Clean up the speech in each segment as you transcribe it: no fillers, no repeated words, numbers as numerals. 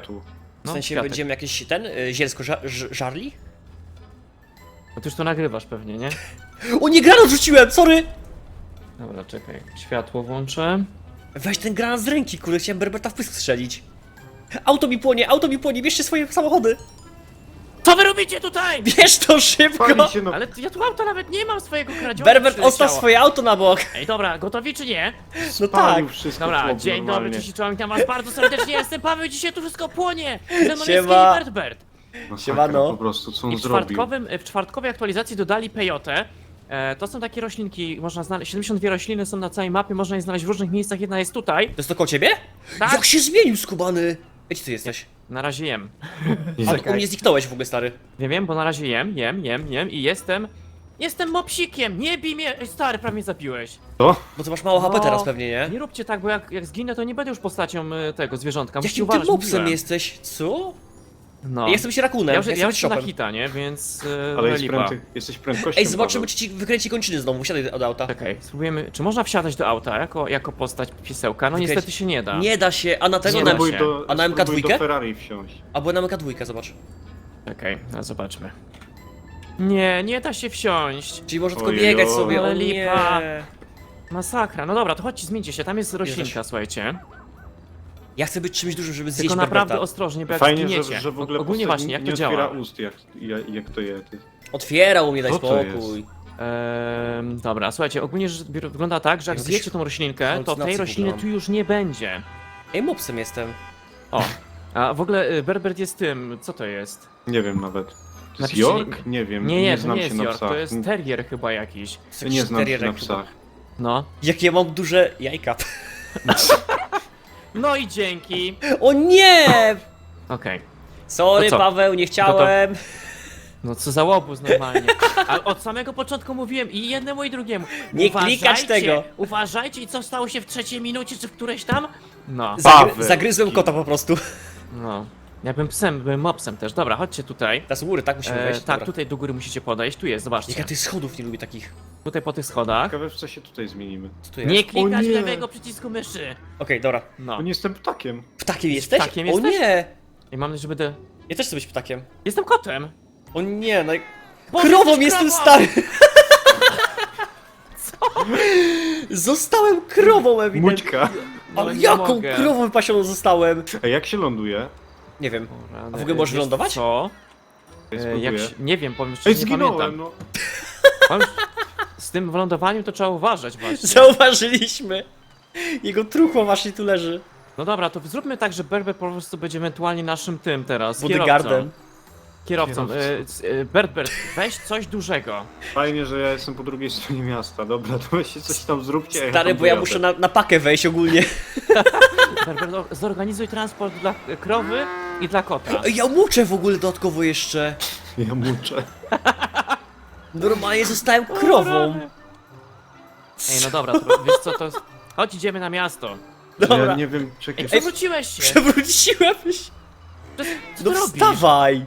tu. W sensie kwiatek. będziemy jakieś zielsko żarli? No ty już to nagrywasz pewnie, nie? O nie, granat rzuciłem, sorry! Dobra, czekaj. Światło włączę. Weź ten granat z ręki, kurde, chciałem Berberta w pysk strzelić. Auto mi płonie, bierzcie swoje samochody! Co wy robicie tutaj? Bierz to szybko! Pali się, no. Ale ja tu auta nawet nie mam swojego kradzionego. Berbert, przyleciało. odstaw swoje auto na bok! Ej, dobra, gotowi czy nie? No tak! Palił wszystko Dobra, chłop dzień dobry, normalnie. cześć, czołem, witam was bardzo serdecznie, jestem Paweł, dzisiaj tu wszystko płonie! Ze mną jest Siema. Bert. Masakra Siemano. po prostu, co on I w zrobił. czwartkowej aktualizacji dodali pejotę. To są takie roślinki, można znaleźć, 72 rośliny są na całej mapie, można je znaleźć w różnych miejscach, jedna jest tutaj. To jest to koło ciebie? Tak. Jak się zmienił, skubany! Gdzie ty jesteś? Na razie jem. A u mnie zniknąłeś w ogóle, stary. Wiem, bo na razie jem i jestem mopsikiem, nie bij mnie! Ej, stary, prawie mnie zabiłeś. To? Bo ty masz mało HP No. teraz pewnie, nie? Nie róbcie tak, bo jak zginę, to nie będę już postacią tego zwierzątka, musicie Jakim ty uważać, mopsem mówiłem. jesteś? Co? No. Ja jestem się rakunem, Ja już jestem jestem na shopem. hita, nie? Więc Ale jest lipa. jesteś prędkością, Ej, zobaczymy, Paweł. czy ci wykręci kończyny znowu, wsiadaj od auta. Czekaj, spróbujemy, czy można wsiadać do auta jako postać piesełka? No Wykręć- niestety się nie da. Nie da się, a na tego Nie na... da Spróbuj się. do, A na spróbuj MK2? do Ferrari wsiąść. Albo na MK2, zobacz. Czekaj, no zobaczmy. Nie da się wsiąść. Czyli może tylko Ojej, biegać oj. sobie, Ale o lipa. nie. Masakra, no dobra, to chodźcie, zmieńcie się, tam jest roślinka, Jesteś. słuchajcie. Ja chcę być czymś dużym, żeby zjeść Tylko naprawdę Berberta. ostrożnie, bo jak Fajnie, zginiecie. że w ogóle Ogólnie postać właśnie, jak nie to działa? otwiera ust, jak to je. Ty. Otwierał mnie, daj Co to spokój. Dobra, słuchajcie, ogólnie wygląda tak, że jak Jakbyś zjecie tą roślinkę, to tej halucynacje rośliny pobrałem. tu już nie będzie. Ej, mopsem jestem. O, a w ogóle Berbert jest tym, co to jest? Nie wiem nawet. To jest Napiszcie, York? Nie wiem, Nie, to znam nie się jest na York, psach. to jest terrier chyba jakiś. To Nie jakiś znam się terrier na chyba. psach. No. Jakie mam duże jajka. No i dzięki. O nie! Okej. Sorry, To co? Paweł, nie chciałem. No co za łobuz normalnie. Ale od samego początku mówiłem i jednemu i drugiemu. Nie klikać tego. Uważajcie i co stało się w trzeciej minucie czy w którejś tam? No. Paweł. Zagryzłem kota po prostu. No. Ja bym psem, byłem mopsem też. Dobra, chodźcie tutaj. Ta z góry, tak musimy wejść. Tak, Dobra. tutaj do góry musicie podejść. Tu jest, zobaczcie. Jak ja tych schodów nie lubię takich. Tutaj po tych schodach. Ciekawe, w co się tutaj zmienimy. Co tu jest? Nie klikać O nie. lewego przycisku myszy. Okej, dobra. No. Bo nie jestem ptakiem. Ptakiem jesteś? Ptakiem O jesteś? nie! I mam nadzieję, że będę... Ja też chcę być ptakiem. Jestem kotem. O nie, no... Boże, Krową jesteś jestem krową! stary! Co? Zostałem krową ewidentnie. Mućka. Ale No nie jaką mogę. krową wypasioną zostałem? A jak się ląduje? Nie wiem. O rany, A w ogóle możesz wiesz lądować? Co? Ja Jak spróbuję. się, nie wiem, powiem Ej, szczerze, nie zginąłem, pamiętam. no. Powiem, z tym wylądowaniem to trzeba uważać właśnie. Zauważyliśmy. Jego truchło właśnie tu leży. No dobra, to zróbmy tak, że Berber po prostu będzie ewentualnie naszym tym teraz, Bodyguardem. Kierowcą. Bert, weź coś dużego. Fajnie, że ja jestem po drugiej stronie miasta. Dobra, to weźcie coś tam zróbcie. a Stary, tam bo ja dojadę. muszę na pakę wejść ogólnie. Berber, zorganizuj transport dla krowy i dla kota. Ej, ja muczę w ogóle dodatkowo jeszcze. Ja muczę. Normalnie zostałem krową. Ej, no dobra, to, wiesz co, to jest... Chodź, idziemy na miasto. Dobra. Ja nie wiem, czekaj. Ej, przewróciłeś się! Przewróciłem się. Co No ty robisz? wstawaj.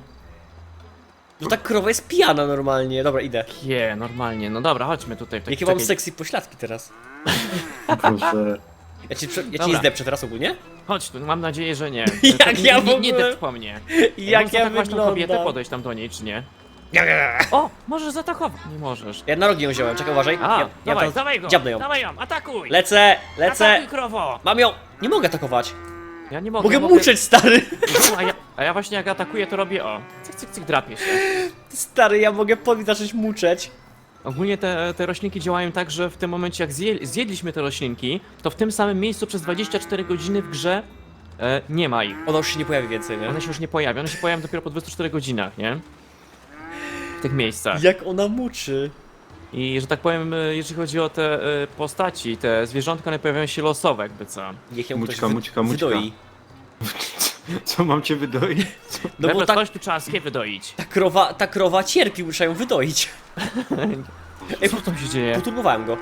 No ta krowa jest pijana normalnie. Dobra, idę. Normalnie, no dobra, chodźmy tutaj. w Jakie mam takiej- sexy pośladki teraz. Boże. Ja cię Dobra. nie zdepczę teraz ogólnie? Chodź tu, mam nadzieję, że nie. Jak ja w Nie ogóle- depcz po mnie. Jak Można ja tak właśnie kobietę wyglądam. podejść tam do niej, czy nie? O, możesz zaatakować. Nie możesz. Ja na rogi ją wziąłem, czekaj, uważaj. A, ja dawaj, tam dawaj go! dziabnę ją. Dawaj ją, atakuj! Lecę, lecę. Atakuj, krowo! Mam ją. Nie mogę atakować. Ja nie mogę. Mogę muczeć, stary. A ja właśnie jak atakuję, to robię o. Cyk, drapię się. Stary, ja mogę zacząć muczeć. Ogólnie te roślinki działają tak, że w tym momencie jak zjedliśmy te roślinki, to w tym samym miejscu przez 24 godziny w grze nie ma ich. Ona już się nie pojawi więcej, nie? One się już nie pojawią, one się pojawią dopiero po 24 godzinach, nie? W tych miejscach. Jak ona muczy. I że tak powiem, jeżeli chodzi o te postaci, te zwierzątka, one pojawiają się losowe, jakby co. Niech ją Mućka, ktoś mućka. wydoi. Co mam cię wydoić? Co? No bo Dobra, tak, coś tu trzeba skie wydoić. ta krowa cierpi, muszę ją wydoić. Ej, Co tam się dzieje? poturbowałem go.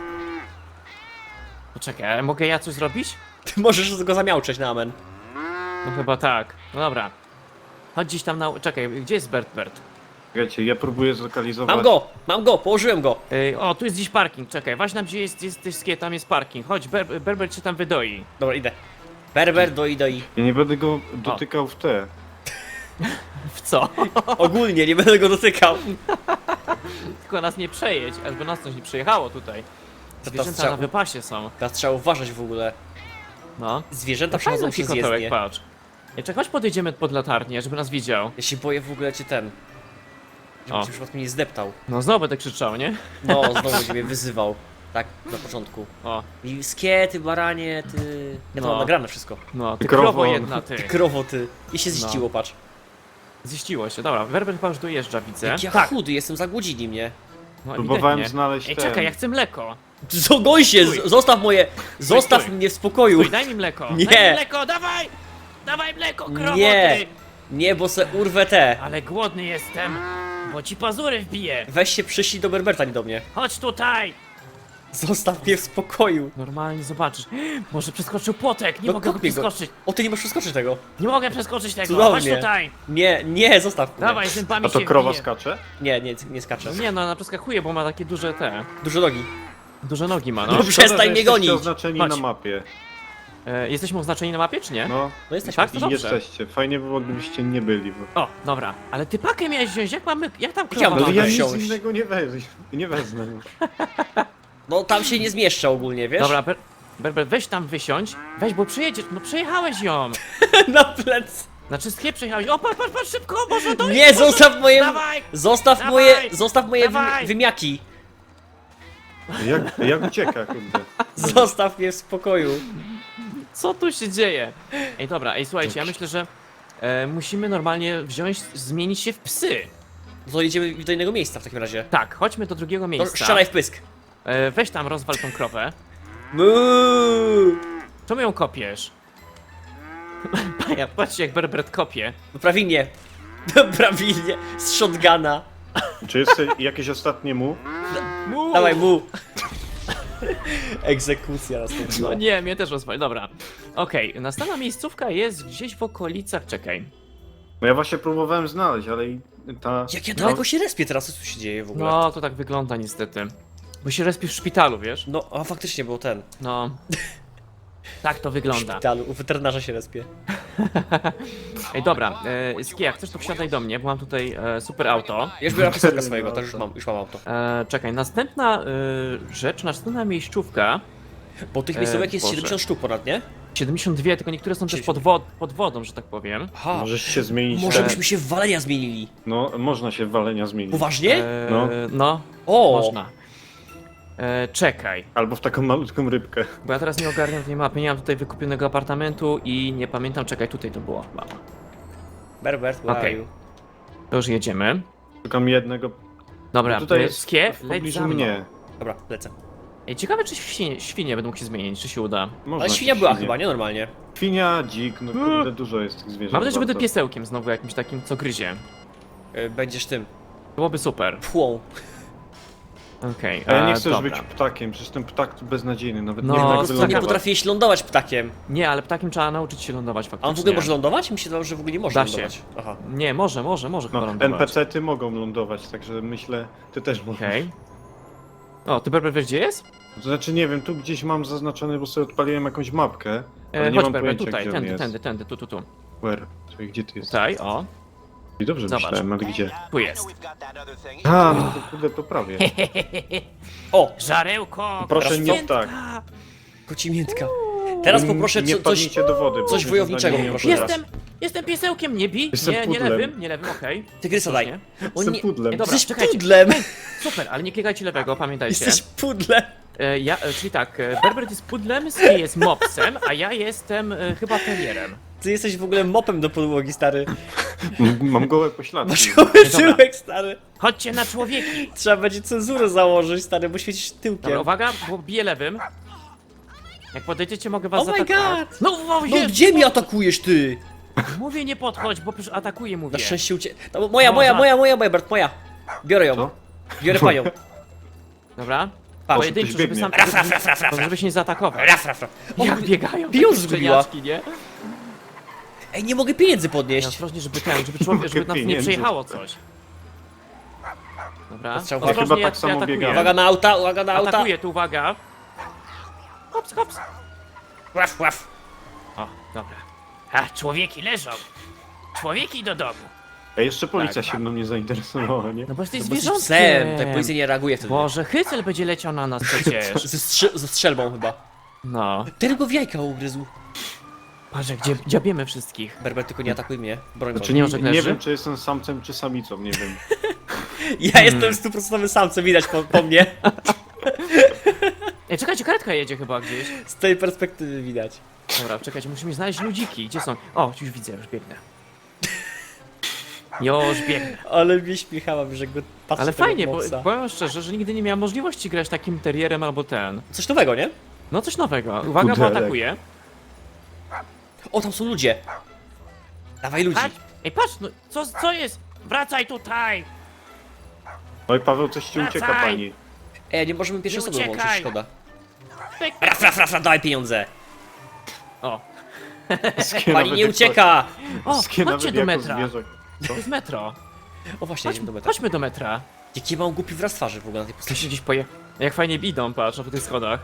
Poczekaj, mogę ja coś zrobić? Ty możesz go zamiauczeć na amen. No chyba tak. No dobra. Chodź gdzieś tam na... Czekaj, gdzie jest Bert? Wiecie, ja próbuję zlokalizować. Mam go, położyłem go. O, tu jest gdzieś parking, czekaj, właśnie tam gdzie jest skie, tam jest parking. Chodź, Berbert się tam wydoi. Dobra, idę. Berbert, doi. Ja nie będę go dotykał w te. W co? Ogólnie, nie będę go dotykał. Tylko nas nie przejedź, albo nas coś nie przejechało tutaj. To Zwierzęta trzeba- na wypasie są. Teraz trzeba uważać w ogóle. No. Zwierzęta Fajny przechodzą przez kotołek, jezdnię. patrz. Czekaj, chodź podejdziemy pod latarnię, żeby nas widział. Ja się boję w ogóle cię ten. Żeby O. cię przypadkiem nie zdeptał. No znowu będę krzyczał, nie? No, znowu ciebie wyzywał. Tak, na początku. O, I ty baranie, ty... Ja to No. mam nagrane wszystko. no, ty Krowo. krowo jedna, ty. Ty krowo, ty. I się No. ziściło, patrz. Ziściło się, dobra, Werber chyba już dojeżdża, widzę. Jak ja Tak, chudy jestem, zagłodzili mnie. no Próbowałem ewidentnie. znaleźć Ej, ten. czekaj, ja chcę mleko. Goń się, Stój. zostaw moje... Zostaw stój. mnie w spokoju. Stój, daj mi mleko. Nie. Daj mi mleko, dawaj! Dawaj mleko, krowo, Nie. ty! Nie, bo se urwę te. Ale głodny jestem, bo ci pazury wbiję. Weź się przyślij do Berberta, nie do mnie. Chodź tutaj! Zostaw mnie w spokoju. Normalnie zobaczysz. Może przeskoczył płotek, nie No mogę go kopnij go. przeskoczyć. O, ty nie możesz przeskoczyć tego. Nie mogę przeskoczyć tego, Cudownie. chodź tutaj! Nie, zostaw mnie. Dawaj, zębami A to się krowa wbije. skacze? Nie skaczę. No nie no, ona przeskakuje, bo ma takie duże te... Dużo nogi. Duże nogi ma, No no. przecież- przestań Szkoda, że mnie jesteście gonić. oznaczeni Chodź. na mapie. Jesteśmy oznaczeni na mapie, czy nie? No, No jesteśmy. Tak? To i dobrze. jesteście. Fajnie by było, gdybyście nie byli. Bo... O, dobra. Ale ty pakę miałeś wziąć, jak tam Ja mam krowa Ale to ja ma? nic wsiąść. innego nie wezmę. No tam się nie zmieszczę ogólnie, wiesz? Dobra, Berber, weź tam wysiądź. Weź, bo przejedziesz, no przejechałeś ją. Na plec. Znaczy z przejechałeś. O, patrz, szybko, może dojść. Nie, zostaw moje... Dawaj! Zostaw Dawaj! moje Dawaj! wymiaki. Jak ucieka, kurde. Zostaw mnie w spokoju. Co tu się dzieje? Ej, dobra, słuchajcie, ja myślę, że musimy normalnie wziąć, zmienić się w psy. No to jedziemy do innego miejsca w takim razie. Tak, chodźmy do drugiego To miejsca. strzelaj w pysk. Weź tam, rozwal tą krowę. Muuu. Czemu ją kopiesz? Patrzcie jak Berbert kopie. No prawilnie. Prawilnie. Z shotguna. Czy jest jakieś ostatnie mu? Dawaj mu. Egzekucja nastąpiła. No nie, mnie też rozwali, dobra. Okej, następna miejscówka jest gdzieś w okolicach, czekaj. No ja właśnie próbowałem znaleźć, ale i ta... Jak ja daleko się respię teraz, co tu się dzieje w ogóle? No, to tak wygląda niestety. Bo się respisz w szpitalu, wiesz? No, a faktycznie był ten. No. Tak to W wygląda. szpitalu, u weterynarza się respię. Ej, dobra, Skie, jak chcesz to wsiadaj do mnie, bo mam tutaj super auto. Ja już biorę piosenkę swojego, to już mam auto. Czekaj, następna rzecz, następna miejscówka. Bo tych miejscówek jest Boże. 70 sztuk ponad, nie? 72, tylko niektóre są też pod wodą, że tak powiem. Aha. Możesz się zmienić. Może te- byśmy się w walenia zmienili. No, można się w walenia zmienić. Poważnie? No. No, O! można. Czekaj, Albo w taką malutką rybkę. bo ja teraz nie ogarniam tej mapy, nie mam tutaj wykupionego apartamentu i nie pamiętam, czekaj, tutaj to było chyba. Berbert, where are Okej. you? To już jedziemy. Szukam jednego. Dobra, No tutaj jest Skie, w leć pobliżu za mną. mnie. Dobra, lecę. Ej, ciekawe czy świnie będą mógł się zmienić, czy się uda. Można Ale świnia się była świnie. chyba, nie? Normalnie. Świnia, dzik, no kurde, dużo jest tych zwierząt. Mam nadzieję, że będę bardzo. piesełkiem znowu jakimś takim, co gryzie. Będziesz tym. Byłoby super. Pchłą. A ja nie chcę już dobra. być ptakiem, przecież ten ptak to beznadziejny, nawet No, nie wiem to jak jest Nie wylądować. potrafiłeś lądować ptakiem. Nie, ale ptakiem trzeba nauczyć się lądować A faktycznie. on w ogóle może lądować? Mi się wydawało, że w ogóle nie może Da się. lądować. Aha. Nie, może chyba No, lądować. NPC-ty mogą lądować, także myślę, ty też możesz. Okej. O, ty Berber wiesz gdzie jest? To znaczy nie wiem, tu gdzieś mam zaznaczone, bo sobie odpaliłem jakąś mapkę, ale nie Chodź mam Berber, pojęcia tutaj, gdzie on jest. tędy, tu. Where? Czyli gdzie ty jesteś? Tutaj, o, I dobrze Zobacz. myślałem, ale gdzie? tu jest. A, no to kurde, to prawie. O! Żarełko! Proszę nie krasnoludka. tak. Kocimiętka. Teraz poproszę Nie coś... padnijcie do wody. bo coś się wojowniczego zdanie nie poproszę opowiada. Jestem piesełkiem, nie bij! Jestem Nie pudlem. lewym, okej. Tygrysa daj. Słusznie. O Jestem nie... pudlem. Ej, dobra, Jesteś czekajcie. pudlem! Super, ale nie klikajcie lewego, pamiętajcie. Jesteś pudlem! Czyli tak, Berbert jest pudlem, Skie jest mopsem, a ja jestem chyba terrierem. Ty jesteś w ogóle mopem do podłogi, stary. Mam gołe pośladki. Masz goły tyłek, stary. Chodźcie na człowieki! Trzeba będzie cenzurę założyć, stary, bo świecisz tyłkiem. Dobra, uwaga, bo biję lewym. Jak podejdziecie, mogę was Oh my zaatakować. god! No, No gdzie mi atakujesz, ty? Mówię, nie podchodź, bo przecież atakuję, mówię. Na szczęście No, moja, Bert, moja. Biorę ją. Co? Biorę panią. Dobra. Patrz, Pojedynczo, ktoś żeby biegnie. sam, żeby się nie zaatakować. Raf, raf, raf. O, Jak biegają pieniądz takie zgubiła. szczeniaczki, nie? Ej, nie mogę pieniędzy Ja podnieść. ostrożnie, żeby człowiek, żeby nas nie Pieniędzy. przejechało coś. Dobra. Ostrzał Ja chyba Ostrożnie, tak samo atakuję. biegałem. Uwaga na auta, uwaga na auta. Atakuję, tu uwaga. Hops, hops. Łaf, łaf. O, dobra. A, człowieki leżą. Człowieki do domu. A jeszcze policja Tak. się mną nie zainteresowała, nie? No bo jesteś Bo jesteś zwierzątkiem. psem, tak policja nie reaguje wtedy. Boże, hycel będzie leciał na nas przecież. Ze strzelbą chyba. No. Ten go w jajka ugryzł. Patrz, gdzie dziabiemy wszystkich. Berber, tylko nie atakuj mnie. Broń Znaczy, Boże. nie nie leży? wiem, czy jestem samcem, czy samicą, nie wiem. Ja jestem 100% samcem, widać po mnie. Ej, czekajcie, karetka jedzie chyba gdzieś. Z tej perspektywy widać. Dobra, czekajcie, musimy znaleźć ludziki. Gdzie są? O, już widzę, już biegnę. Już biegnę. Ale mnie śmiechałam, że go patrzę. Ale tego fajnie, bo mopsa. powiem szczerze, że nigdy nie miałem możliwości grać takim terrierem albo ten. Coś nowego, nie? No coś nowego. Uwaga, bo Pudelek. atakuje. O, tam są ludzie. Dawaj ludzi. Patrz! Ej, patrz, no co jest? Wracaj tutaj! Oj, Paweł, coś ci ucieka, Wracaj! pani. Ej, nie możemy pierwszej Nie osoby włączyć, uciekaj. szkoda. Pyk. Raf, dawaj pieniądze. O, Pani nie ucieka. o, chodźcie do metra. Co? To jest metro. O, właśnie, jedziemy do metra. Chodźmy do metra. Jaki mam głupi wyraz twarzy w ogóle na tej To postaci. się gdzieś poje... Jak fajnie idą, patrz, po tych schodach.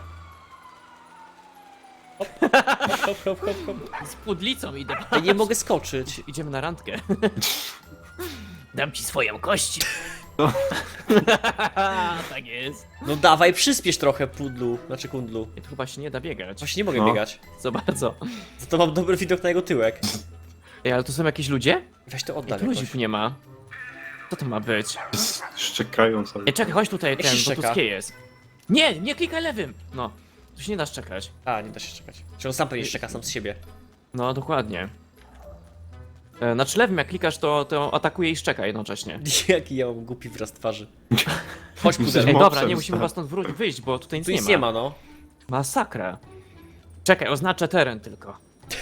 Hop, hop, hop, hop. Z pudlicą idę. Ja nie mogę skoczyć. Idziemy na randkę. Dam ci swoją kość. No. Tak jest. No dawaj, przyspiesz trochę, pudlu. Znaczy kundlu. I tu chyba się nie da biegać. Właśnie nie mogę No. biegać. Co bardzo. Za to mam dobry widok na jego tyłek. Ej, ale tu są jakieś ludzie? Weź to Ej, oddal tu ludzi jakoś. tu nie ma. Co to ma być? Szczekają sobie. Ej, czekaj, chodź tutaj, Jak ten, się bo tu szczeka? skie jest. Nie, nie klikaj lewym! No, tu się nie da szczekać. A, nie da się czekać. Czy on sam pewnie szczeka sam z siebie. No, dokładnie. Znaczy lewym jak klikasz, to atakuje i szczeka jednocześnie. Jaki ja mam głupi wyraz twarzy. Chodź Jesteś pudelek. Ej, mopsem, dobra, nie musimy stary. was stąd wyjść, bo tutaj nic Tu nie nic ma. nie ma, no. Masakra. Czekaj, oznaczę teren tylko.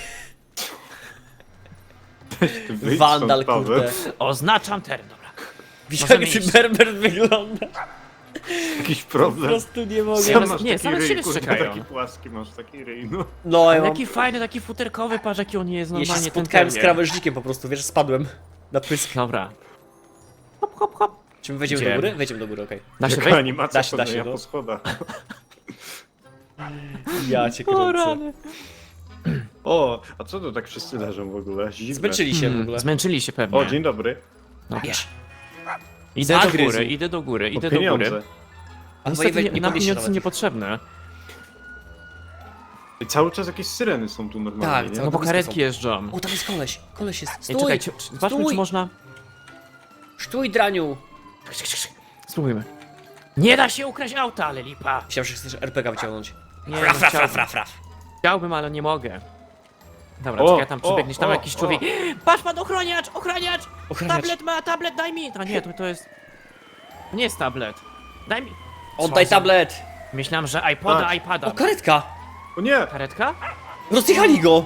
Ty wyjdź Wandal, stąd, Paweł. kurde. Oznaczam teren, dobra. Widzisz Możemy jak ty iść. Berber wygląda? Jakiś Po problem. prostu nie mogę. Same- Masz nie, taki same ryj, siebie kurde, szczekają. taki płaski masz, taki ryj, no. No, ja Ale mam... jaki fajny, taki futerkowy, patrz jaki on jest Ja się normalnie ten spotkałem z terrier. krawężnikiem po prostu, wiesz, spadłem na pysk. Dobra. Hop, hop, hop. Czy my wejdziemy Idziemy. do góry? Wejdziemy do góry, okej. Da się Jaka wejść? animacja Da się, chodzenia no. po schodach. Ja cię O, kręcę. rany. O, a co to tak wszyscy leżą w ogóle? Zimne. Zmęczyli się w ogóle. Zmęczyli się pewnie. O, dzień dobry. Dobra. Wiesz, Idę do Zagryzł. góry, idę do góry, O idę do pieniądze. góry. a Niestety nie nam podniesie pieniądze nawet. niepotrzebne. I cały czas jakieś syreny są tu normalnie, Tak, nie? cały- No bo blisko karetki są. jeżdżą. O, tam jest koleś. Koleś jest. Ej, Stój! czekajcie, zobaczmy Stój! czy można... Stój, draniu! Spróbujmy. Nie da się ukraść auta, ale lipa. Myślałem, że chcesz RPG wyciągnąć. Nie, Raf, no raf, chciałbym. raf, raf, raf. Chciałbym, ale nie mogę. Dobra, O, czekaj, tam o, przebiegniesz, tam o, jakiś człowiek. Patrz pan, ochroniacz, ochroniacz! Ochraniacz. Tablet ma, tablet, daj mi! A nie, to jest... To nie jest tablet. Daj mi... Oddaj Co za- tablet! Myślałem, że iPoda, Patrz. iPada. O, karetka! O nie! Karetka? Rozjechali go!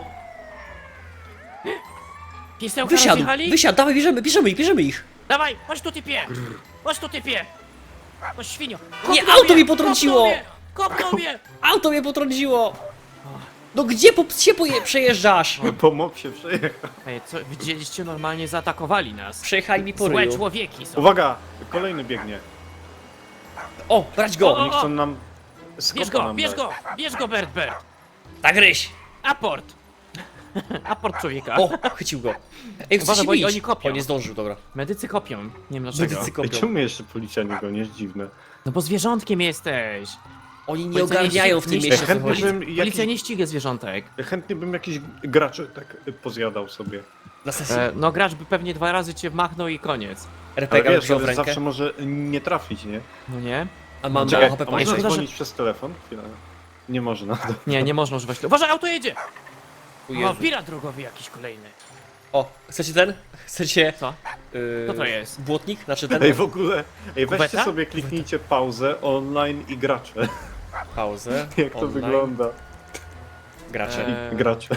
Pisełka Wysiadł! rozjechali? Wysiadł, dawaj, bierzemy ich! Dawaj, chodź tu typie! Chodź tu typie! No świnio! Nie, Kopnął auto mnie, mi potrąciło! Kopnął mnie! Auto mnie potrąciło! No gdzie po psie przejeżdżasz? Po mop się przejechał. Ej, co, widzieliście, normalnie zaatakowali nas. Przejechali mi po Złe ryju. człowieki są. Uwaga! Kolejny biegnie. O, brać go! O, Oni chcą nam... Bierz skopa go, nam bierz dać. go! Bierz go, Bert, Bert! Tak, ryś! Aport! Aport człowieka. O, chycił go. Ej, chce Uważaj, się bo bić. oni kopią. O, nie zdążył, dobra. Medycy kopią. Nie wiem dlaczego. Medycy Ej, kopią. czemu mnie jeszcze policja nie goni? Jest dziwne. No bo zwierzątkiem jesteś. Oni nie Policja nie ogarniają w ści- tym nie mieście, ści- co chętnie chodzi. bym Policja jakiś, nie ściga zwierzątek. chętnie bym jakiś graczy tak pozjadał sobie. Na sesji No gracz by pewnie 2 razy cię machnął i koniec. Ale RPG wiesz, wziął w ale rękę. zawsze może nie trafić, nie? No nie? A mam Czekaj, HP a można szkoda, że- dzwonić przez telefon? Chwilę. Nie można. Nie, nie można używać tego. Uważaj, auto jedzie! O, O, Jezu. pirat drogowy jakiś kolejny. O, chcecie ten? Chcecie... Co? Co to jest? Błotnik? Znaczy ten? Ej, w ogóle, weźcie Kubeta? sobie, kliknijcie pauzę, online i gracze. Pauzę. Jak to online, wygląda? Gracze. Gracze.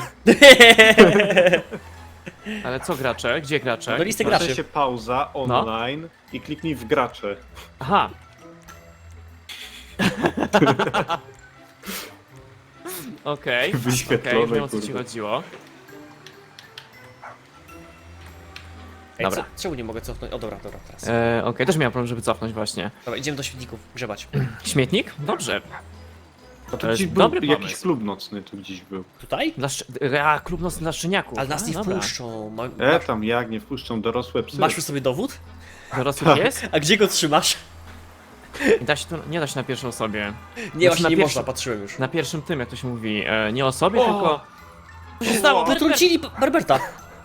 Ale co gracze? Gdzie gracze? No listy Proszę graczy. się pauza, online i kliknij w gracze. Aha. Okej, Wyświetlone, już wiem o co ci kurde. chodziło. Ej, Dobra. Czemu nie mogę cofnąć? O, dobra, teraz. Okej, też miałem problem, żeby cofnąć właśnie. Dobra, idziemy do świetników, grzebać. Śmietnik? Dobrze. A To tu jest gdzieś był dobry jakiś pomysł. klub nocny, tu gdzieś był. Tutaj? Klub nocny dla szczeniaków. Ale nas A, nie dobra. wpuszczą. Tam jak nie wpuszczą dorosłe psy. Masz przy sobie dowód? Dorosły pies? A gdzie go trzymasz? Nie da się na pierwszej osobie. Nie, właśnie na nie pierwszym- można, patrzyłem już. Na pierwszym tym, jak to się mówi, nie o sobie, O! tylko... Co się stało? Potrącili Berberta.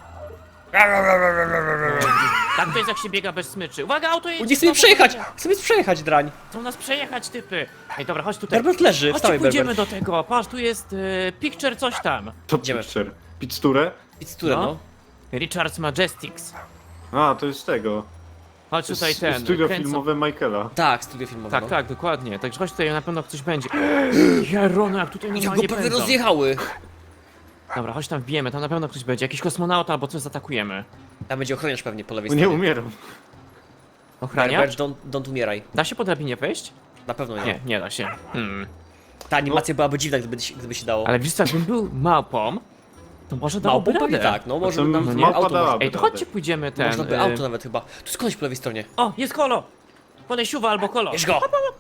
Tak to jest, jak się biega bez smyczy. Uwaga, auto jedzie! Nie chce mnie znowu przejechać! jedzie. Chce mnie przejechać, drań. Chcą nas przejechać, typy. Ej, dobra, chodź tutaj. Berbert leży, Chodźcie, wstałej pójdziemy Berbert. do tego. Patrz, tu jest picture coś tam. To Idziemy. picture. Pizzurę? Pizzurę, No. no. Richard's Majestics. A, to jest tego. Chodź tutaj ten. Studio kręcą- filmowe Michaela. Tak, studio filmowe. Tak, no. tak, dokładnie. Także chodź tutaj, na pewno coś będzie. Jarono, jak tutaj Jak go normalnie prawie pędzą. rozjechały. Dobra, chodź tam wbijemy, tam na pewno ktoś będzie. Jakiś kosmonauta albo coś zaatakujemy. Tam będzie ochroniarz pewnie po lewej Nie stronie. umieram. Ochraniacz? Berbert, don't umieraj. Da się po drabinie wejść? Na pewno nie. Nie, nie da się. Ta animacja byłaby dziwna, gdyby się dało. Ale wiesz co, jakbym był małpą, to może dałoby Małpą pewnie radę. tak, no może to by nam no nie, auto małpa dałaby. Ej, to chodźcie pójdziemy ten... Można by auto nawet chyba. Tu jest koleś po lewej stronie. O, jest kolo! Kolesiuwa albo kolo. Bierz go!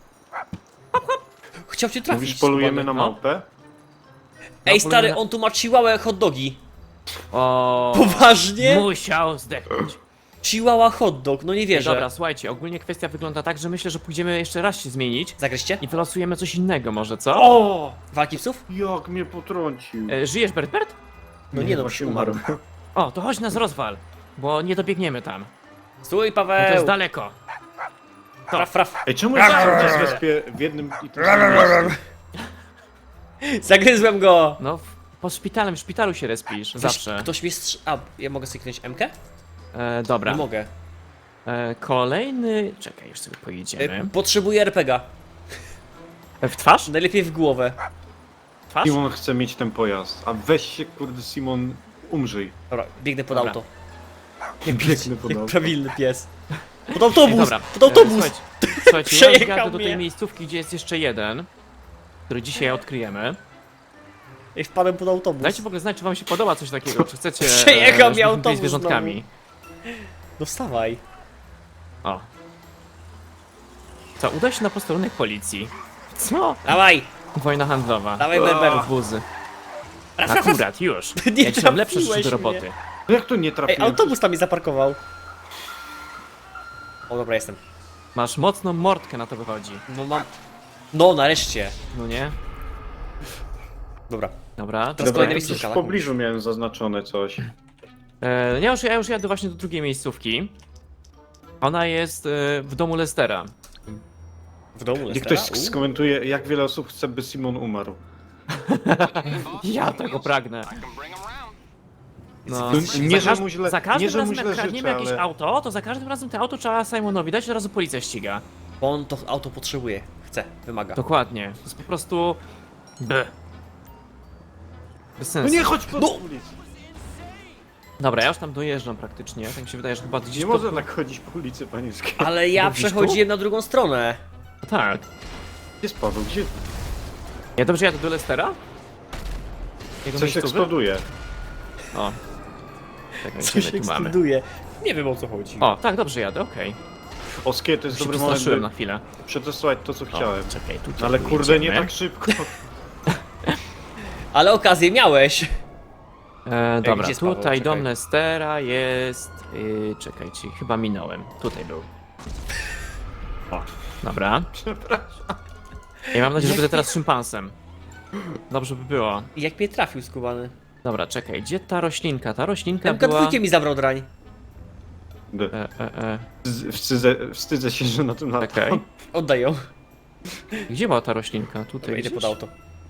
Chciał cię trafić. Mówisz, polujemy skubany. na No. małpę? Ej No, stary, polujemy na- on tu ma chihuahua hot dogi. O, Poważnie? musiał zdechnąć. Chihuahua hot dog, no nie wierzę. Dobra, słuchajcie, ogólnie kwestia wygląda tak, że myślę, że pójdziemy jeszcze raz się zmienić Zagryźcie? i wylosujemy coś innego może, co? O! Walki psów? Jak mnie potrącił. Żyjesz, Bert? No nie no, właśnie już umarł. O, to chodź nas rozwal, bo nie dobiegniemy tam. Stój No to Paweł! jest daleko. Fraf, fraf. Ej, czemu ja cały czas respię w jednym i tym samym miejscu? Zagryzłem go! No, pod szpitalem, w szpitalu się respisz, zawsze. Ktoś mnie A, ja mogę sobie kliknąć M-kę? Dobra. Nie mogę. Kolejny... Czekaj, już sobie pojedziemy. Potrzebuję RPG-a. W twarz? Najlepiej w głowę. Twarz? Simon chce mieć ten pojazd. A weź się, kurde, Simon, umrzyj. Dobra, biegnę pod Dobra. auto. Biegnę pod Jak auto. prawilny pies. Pod autobus! Dobra. Pod autobus! Słuchajcie, ja Przejechał jadę do tej mnie. miejscówki, gdzie jest jeszcze jeden, który dzisiaj odkryjemy. I wpadłem pod autobus. Dajcie w ogóle znać, czy wam się podoba coś takiego, czy chcecie, Przejechał mnie żebyśmy autobus byli zwierzątkami. No wstawaj. O. Co, uda się na posterunek policji. Co? Dawaj! Wojna handlowa. Dawaj Berber. Wozy. Fraf, fraf, fraf. Akurat, już. Nie Ja ci mam lepsze trafiłeś rzeczy do mnie. roboty. No jak to nie Ej, trafiłem? autobus tam mi zaparkował. O, dobra, jestem. Masz mocną mordkę, na to wychodzi. No mam... No, nareszcie. No nie? Dobra. Dobra, Teraz dobra. kolejne Gdzieś miejscówka, w tak? pobliżu miałem zaznaczone coś. Ja już jadę właśnie do drugiej miejscówki. Ona jest w domu Lestera. W domu Niech ktoś skomentuje, jak wiele osób chce, by Simon umarł. Ja tego pragnę. No. Nie, że mu źle, za każdym nie, że mu razem źle jak kradniemy życzę, jakieś ale... auto, to za każdym razem to auto trzeba Simonowi dać, od razu policja ściga. Bo on to auto potrzebuje. Chce, wymaga. Dokładnie. To jest po prostu... B. Bez No sensu. nie, chodź po No! ulicy. Dobra, ja już tam dojeżdżam praktycznie. Tak mi się wydaje, że chyba gdzieś Nie pod- można tak chodzić po ulicy Panieskiej. Ale ja Mówisz tu? przechodziłem na drugą stronę. Tak. Gdzie jest Paweł? Gdzie? Ja dobrze jadę do Lestera? Jego Coś miejscowy? eksploduje. O. Czekaj, Coś gdzie my tu mamy? eksploduje. Nie wiem o co chodzi. O, tak, dobrze jadę, okej. Oskie, to jest Się dobry moment, przestraszyłem na by chwilę. przetestować to, co O, chciałem. czekaj, tutaj Ale kurde, nie jedziemy. tak szybko. Ale okazję miałeś. Dobra, gdzie jest Paweł? tutaj Czekaj. dom Lestera jest... czekajcie, chyba minąłem. Tutaj był. O. Dobra. Przepraszam. Ja mam nadzieję, że będę teraz szympansem. Dobrze by było. I jak mnie trafił skubany. Dobra, czekaj, gdzie ta roślinka? Ta roślinka MK2 była... mi zabrał drań. Wstydzę się, że na tym latam. Czekaj. Oddaj ją. Gdzie była ta roślinka? Tutaj Dobra, idę gdzieś? pod auto.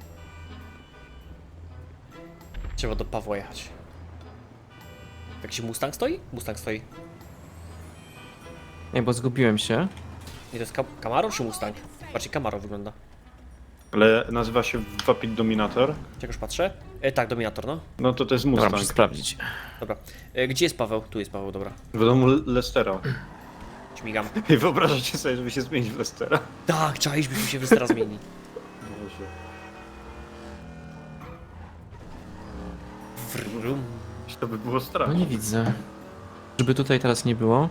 Trzeba do Pawła jechać. Jakiś Mustang stoi? Mustang stoi. Nie, bo zgubiłem się. Nie, to jest Camaro czy Mustang? Bardziej Camaro wygląda. Ale nazywa się Vapid Dominator. Czegoś patrzę? Tak, Dominator, no. No to jest Dobra, Mustang. muszę sprawdzić. Dobra. Gdzie jest Paweł? Tu jest Paweł, dobra. W domu Lestera. Śmigam. I wyobrażacie sobie, żeby się zmienić w Lestera? Tak, czaiśmy się teraz zmieni. Wrum. To by było No straszne. nie widzę. Żeby tutaj teraz nie było.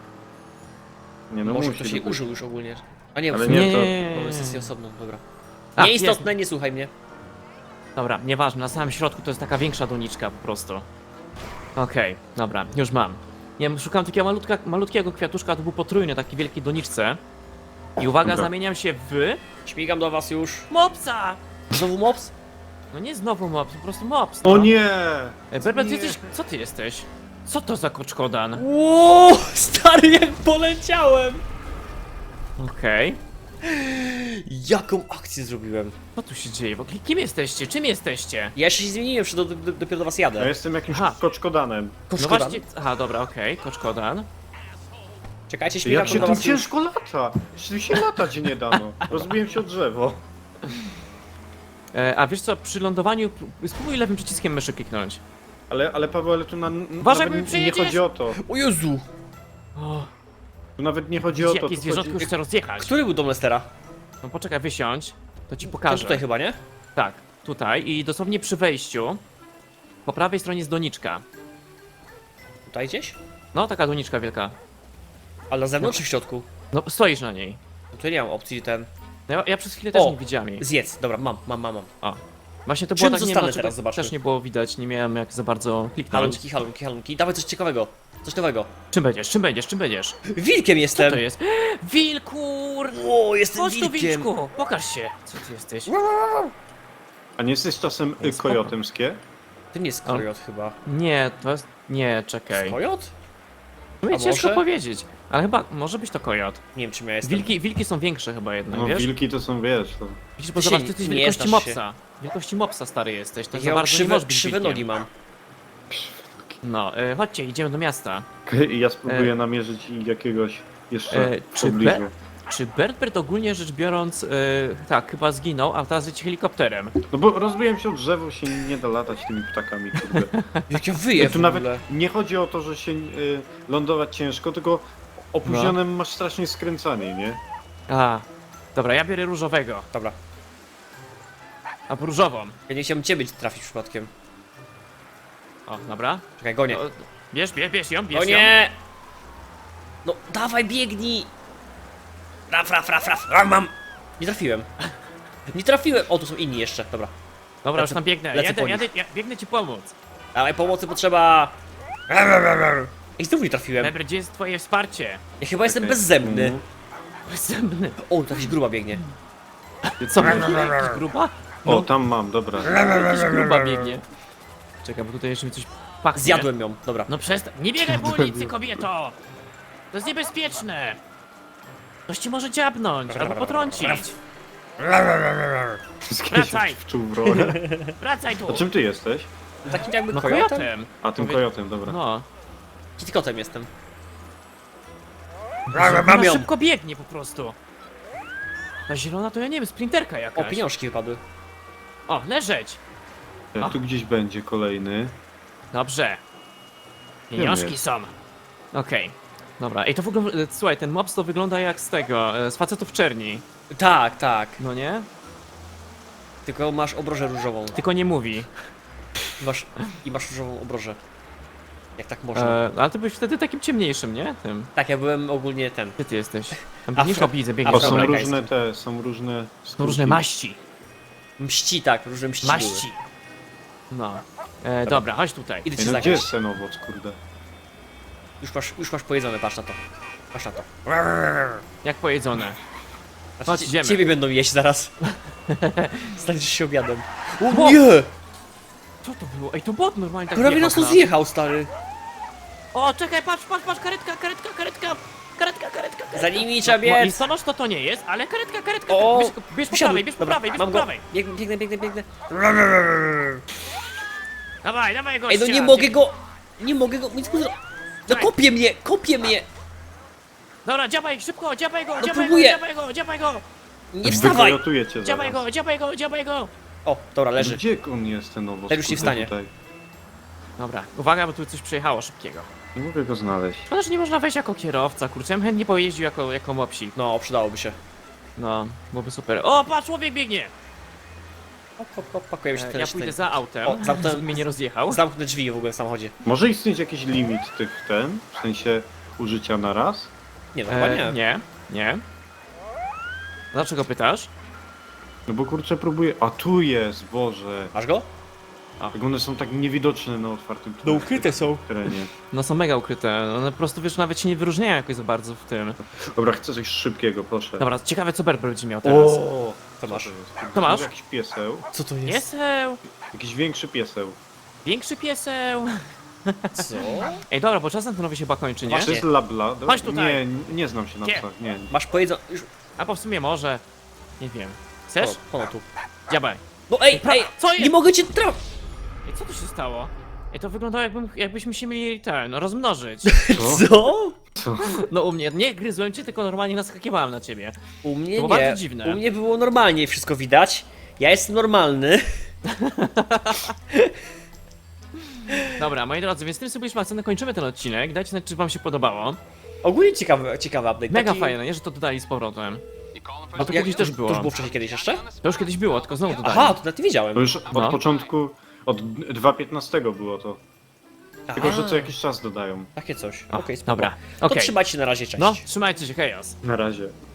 Nie no, Może musi ktoś jej być. użył już ogólnie. A nie, Ale w nie, sumie to- mamy sesję osobną, dobra. A, Nieistotne, nie słuchaj mnie. Dobra, nieważne, na samym środku to jest taka większa doniczka po prostu. Okej, dobra, już mam. Nie wiem, szukam takiego malutkiego kwiatuszka, to był potrójny, taki wielki doniczce. I uwaga, Dobra. zamieniam się w... Śmigam do was już. Mopsa! Znowu mops? No nie znowu mops, po prostu mops, no. O nie! Berbert, Nie. jesteś... Co ty jesteś? Co to za koczkodan? Ło, stary, jak poleciałem! Okej. Jaką akcję zrobiłem? Co tu się dzieje? W ogóle kim jesteście? Czym jesteście? Ja jeszcze się zmieniłem, jeszcze dopiero do was jadę. Ja jestem jakimś Aha. koczkodanem. No Koszkoda. właśnie... Aha, dobra, okej, koczkodan. Czekajcie, śmigam Jak się do tym was już. ciężko lata? Czy się latać nie dano? Rozbiłem się o drzewo. A wiesz co, przy lądowaniu... Spróbuj lewym przyciskiem myszy kliknąć. Ale Paweł, ale tu Uważaj, nawet bo nie przejedziesz. chodzi o to. O Jezu! O, Tu nawet nie chodzi o to. jakie Tu zwierzątko chodzi... chce rozjechać. Który był dom Lestera? No poczekaj, wysiądź. To ci Ten pokażę. tutaj chyba, nie? Tak, tutaj i dosłownie przy wejściu. Po prawej stronie jest doniczka. Tutaj gdzieś? No, taka doniczka wielka. Ale na zewnątrz czy w środku? No, stoisz na niej. No to nie mam opcji ten. No, ja przez chwilę też O! nie widziałem jej. Zjedz, dobra, mam. O. Właśnie to Czym było tak, nie zostanę wiem, teraz, zobaczmy. też nie było widać, nie miałem jak za bardzo kliknąć. Halunki. Dawaj coś ciekawego. Coś nowego. Czym będziesz, czym będziesz, czym będziesz? Wilkiem Co jestem! to jest? Wilkur! O, jestem Chodź tu, wilkiem! wilczku! Pokaż się! Co ty jesteś? A nie jesteś czasem Ej, spoko. kojotem skie? To nie jest kojot chyba. Nie, to jest... Nie, czekaj. Kojot? No A ciężko może? powiedzieć. Ale chyba, może być to kojot. Nie wiem czym ja jestem. Wilki są większe chyba jednak, No wiesz? wilki to są, wiesz, to... Widzisz, bo Ty się zobacz, ty jesteś nie wielkości znasz się. mopsa. Wielkości mopsa stary jesteś, to za Ja bardzo nie krzywe, możesz być krzywe wilkiem. nogi mam. No, chodźcie, idziemy do miasta. I ja spróbuję namierzyć jakiegoś jeszcze w czy pobliżu. Czy Berbert ogólnie rzecz biorąc, tak, chyba zginął, a teraz leci helikopterem. No bo rozbiłem się o drzewo, się nie da latać tymi ptakami, kurde. Jak ja wyję Tu w nawet ogóle. nie chodzi o to, że się lądować ciężko, tylko opóźnionym No. masz strasznie skręcanie, nie? A, dobra, ja biorę różowego, Dobra. a różową. Ja nie chciałem ciebie trafić przypadkiem. O, dobra. Czekaj, gonię. O, bierz ją, O bierz ją. nie! No, dawaj, biegnij! Raf, mam! Nie trafiłem. Nie trafiłem! O, tu są inni jeszcze, dobra. Dobra, już Lecę- tam biegnę, lecę po ja biegnę ci pomóc. Dawaj, pomocy potrzeba! I znów nie trafiłem. Berbert, gdzie jest twoje wsparcie? Ja chyba jestem Okej. bezzębny. Bezsębny. O, tu jakaś gruba biegnie. Co, jakiś gruba? O, tam mam, dobra. Jakiś gruba biegnie. Czekaj, bo tutaj jeszcze mi coś pachnie. Zjadłem ją, dobra. No przestań, nie biegaj po ulicy, kobieto! To jest niebezpieczne! Ktoś ci może dziabnąć, albo potrącić. Wracaj. Wczuł w rolę. Wracaj tu! A czym ty jesteś? Takim jakby No kojotem? kojotem! A, tym Powie- kojotem, dobra. No. Kitkotem jestem. Ona Mam ją! szybko biegnie po prostu. Ta zielona to ja nie wiem, sprinterka O, jakaś. pieniążki wypadły. O, leżeć! Ja, tu gdzieś będzie kolejny. Dobrze. Pieniążki jest. są. Okej. Dobra, ej to w ogóle, słuchaj, ten mobs to wygląda jak z tego, z facetów w czerni. Tak, tak. No nie? Tylko masz obrożę różową. Tylko nie mówi. I masz różową obrożę. Jak tak można. Ale ty byłeś wtedy takim ciemniejszym, nie? Tym. Tak, ja byłem ogólnie ten. Gdzie ty jesteś? Tam Afro- biegniesz, o widzę, O, biegniesz. są Dobra. różne te, są różne... Są różne maści. Mści, tak, różne mści były. Maści. No. Dobra, chodź tutaj. Idę Ej, cię no gdzie zagrać. jest ten owoc, kurde? Już masz pojedzone, patrz na to. Patrz na to. Jak pojedzone. Znaczy, Chodź, idziemy. ciebie będą jeść zaraz. Staniesz się obiadem. O! O nie! Co to było? Ej, to bot normalnie tak Prawie jechał nas tu na- zjechał, stary. O, czekaj, patrz, karetka. Za nimi trzeba No, biec. listonosz to nie jest, ale karetka. O! Bierz po Wsiadł. prawej, bierz mam po go. prawej. Biegnę. Dawaj, gościa. Ej, no nie mogę go. Nie mogę go. Nic mu zro... No Dawaj. kopie mnie. Dobra, dziabaj, szybko, dziabaj go. próbuję. Nie wstawaj. Wykojotuję cię Dziabaj zaraz. go. O, dobra, leży. Gdzie on jest, ten owoc? Ten już nie kurde, wstanie. tutaj? Dobra, uwaga, bo tu coś przejechało szybkiego. Nie mogę go znaleźć. Szkoda, że nie można wejść jako kierowca, kurczę, ja bym chętnie pojeździł jako mopsik. No, przydałoby się. No, byłoby super. O, patrz, człowiek biegnie! Hop, pakujemy się Ja pójdę za autem, O, zamknę- żeby mnie nie rozjechał. Zamknę drzwi w ogóle w samochodzie. Może istnieć jakiś limit tych w sensie użycia na raz? Nie, no chyba nie. Nie. Dlaczego pytasz? No bo kurczę próbuję... A tu jest, Boże. Masz go? Jak one są tak niewidoczne na otwartym No ukryte są. terenie. No są mega ukryte, one po prostu wiesz, nawet się nie wyróżniają jakoś za bardzo w tym. Dobra, chcę coś szybkiego, proszę. Dobra, ciekawe co Berber będzie miał teraz. O, co masz? Co masz? Jakiś pieseł. Co to jest? Pieseł! Jakiś większy pieseł. Większy pieseł! Co? Ej, dobra, bo czas antenowy się chyba kończy, nie? Właśnie. To jest labla. Chodź tutaj. Nie znam się na Gdzie? psach, nie. Masz pojedzą... Już... A bo w sumie może. Nie wiem. Chcesz? O tu. Dziabaj. No ej, ej! Co jest? Nie mogę cię trafić! Ej, co tu się stało? Ej, to wyglądało jakbyśmy się mieli rozmnożyć. Co? Co? Co? No u mnie, nie gryzłem cię, tylko normalnie naskakiwałem na ciebie. U mnie To było nie. bardzo dziwne. U mnie było normalnie, wszystko widać. Ja jestem normalny. Dobra, moi drodzy, więc tym sobie już kończymy ten odcinek. Dajcie znać, czy wam się podobało. Ogólnie ciekawy update. Mega taki... fajne, nie? Że to dodali z powrotem. A to kiedyś też było. To już było wcześniej kiedyś jeszcze? To już kiedyś było, tylko znowu dodali. Aha, to nawet nie wiedziałem. To już od No. początku, od 2.15 było to. Tylko, że Aha, co jakiś czas dodają. Takie coś. O, Okej, spoko. dobra, To okej. trzymajcie się na razie, cześć. No, trzymajcie się, hejos. Na razie.